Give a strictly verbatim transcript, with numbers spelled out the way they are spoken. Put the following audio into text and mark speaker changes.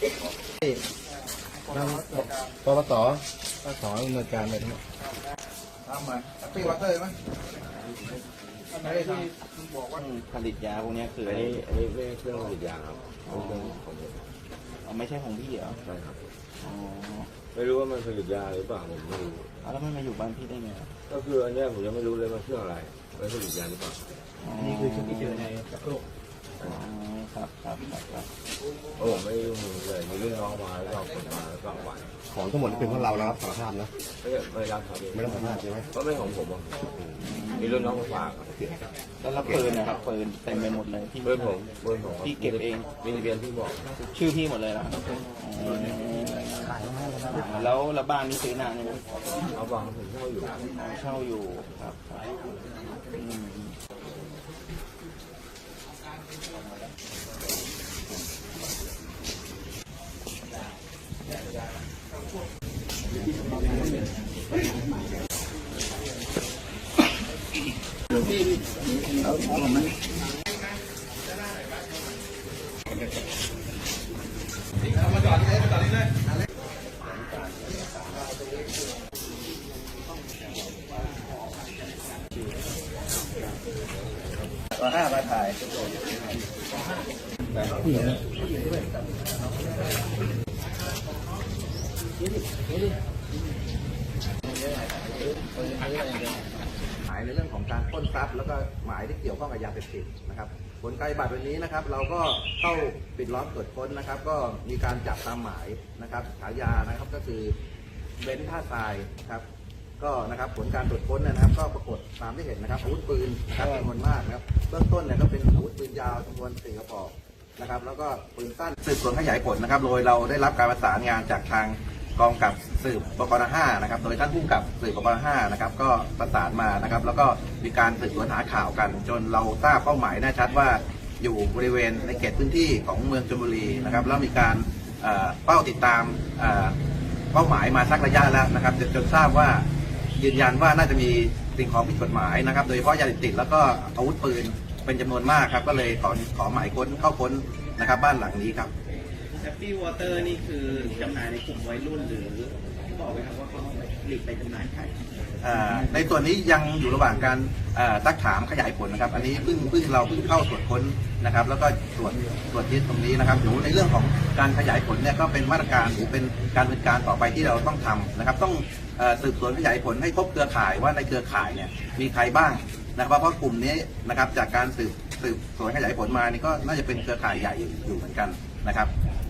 Speaker 1: นั่งปปสปปสดำเนินการไปทั้งหมด
Speaker 2: ทำมาปีวัตเตอร์ไหมอันนี้ที่บอกว่า
Speaker 3: ผลิตยาพวกนี้คือ
Speaker 1: อันนี้อันนี้ไม่ใช่เครื่องผลิตยาครับเป็นเครื่องของผม
Speaker 3: อ๋อไม่ใช่ของพี่เหรอ
Speaker 1: ใช่ครับ
Speaker 3: อ๋อ
Speaker 1: ไม่รู้ว่ามันผลิตยาหรือเปล่าผมไม่รู้
Speaker 3: แล้วมันมาอยู่บ้านพี่ได้ไง
Speaker 1: ก็คืออันนี้ผมยังไม่รู้เลยว่าเครื่องอะไรมันผลิตยาหรือเปล่า
Speaker 2: นี่คือชุดที่เจอในกระโหลก
Speaker 3: อ๋อครับครับครับ
Speaker 1: โอ้ไม่รู้เลยมีเรื่องน้องมาแล้วก็คนมาแล้วก็หวาน
Speaker 4: ของทั้งหมดเป็นของเราแล้วครับสารภาพนะ
Speaker 1: ไม่ไม่รับครับ
Speaker 4: ไม่รับสารภาพใช่ไหม
Speaker 1: ก็ไม่ของผมมีเรื่องน้องมาฝาก
Speaker 3: แล้วรับปืนนะครับปืนเต็มไปหมดเลยพี่
Speaker 1: เบอร์ผมเบอร์ผม
Speaker 3: พี่เก็บเอง
Speaker 1: มีทะเบียนที่บอก
Speaker 3: ชื่อพี่หมดเลยเหรอแล้วแล้วบ้านนี้ซื้อนานไหม
Speaker 1: เอาบ้านผมเช่าอยู่
Speaker 3: เช่าอยู่ครับ
Speaker 2: ตัวห้ามาถ่ายหมายในเรื่องของการปล้นทรัพย์แล้วก็หมายที่เกี่ยวข้องกับยาเสพติดนะครับผลการปฏิบัติวันนี้นะครับเราก็เข้าปิดล้อมตรวจค้นนะครับก็มีการจับตามหมายนะครับฉายานะครับก็คือเบนซ์ท่าทรายครับก็นะครับผลการตรวจค้นนะครับก็ปรากฏตามที่เห็นนะครับอาวุธปืนนะครับจำนวนมากนะครับเบื้องต้นเนี่ยก็เป็นอาวุธปืนยาวจำนวนสี่กระบอกนะครับแล้วก็ปืนสั้นสืบสวนขยายผลนะครับโดยเราได้รับการประสานงานจากทางกองกับสืบปกรห้านะครับโดยท่านผู้กับสืบปกรห้านะครับก็ประสานมานะครับแล้วก็มีการสืบสวนหาข่าวกันจนเราทราบเป้าหมายแน่ชัดว่าอยู่บริเวณในเขตพื้นที่ของเมืองชลบุรีนะครับแล้วมีการเป้าติดตามเป้าหมายมาสักระยะแล้วนะครับจนทราบว่ายืนยันว่าน่าจะมีสิ่งของผิดกฎหมายนะครับโดยเฉพาะยาเสพติดแล้วก็อาวุธปืนเป็นจำนวนมากครับก็เลยขอขอหมายค้นเข้าค้นนะครับบ้านหลังนี้ครับ
Speaker 3: แฮปปี้วอเตอร์นี่คือจำหน่ายในกลุ่มวัยรุ่นหรือบอกไหมครับว่าเขาผลิตไปจำหน่ายใคร
Speaker 1: ในส่วนนี้ยังอยู่ระหว่างการซักถามขยายผลนะครับอันนี้เพิ่งเพิ่งเราเพิ่งเข้าตรวจค้นนะครับแล้วก็ตรวจตรวจยึดตรงนี้นะครับหนูในเรื่องของการขยายผลเนี่ยก็เป็นมาตรการหรือเป็นการดำเนินการต่อไปที่เราต้องทำนะครับต้องสืบสวนขยายผลให้พบเครือข่ายว่าในเครือข่ายเนี่ยมีใครบ้างนะครับเพราะกลุ่มนี้นะครับจากการสืบสืบสวนขยายผลมานี่ก็น่าจะเป็นเครือข่ายใหญ่อยู่เหมือนกันนะครับ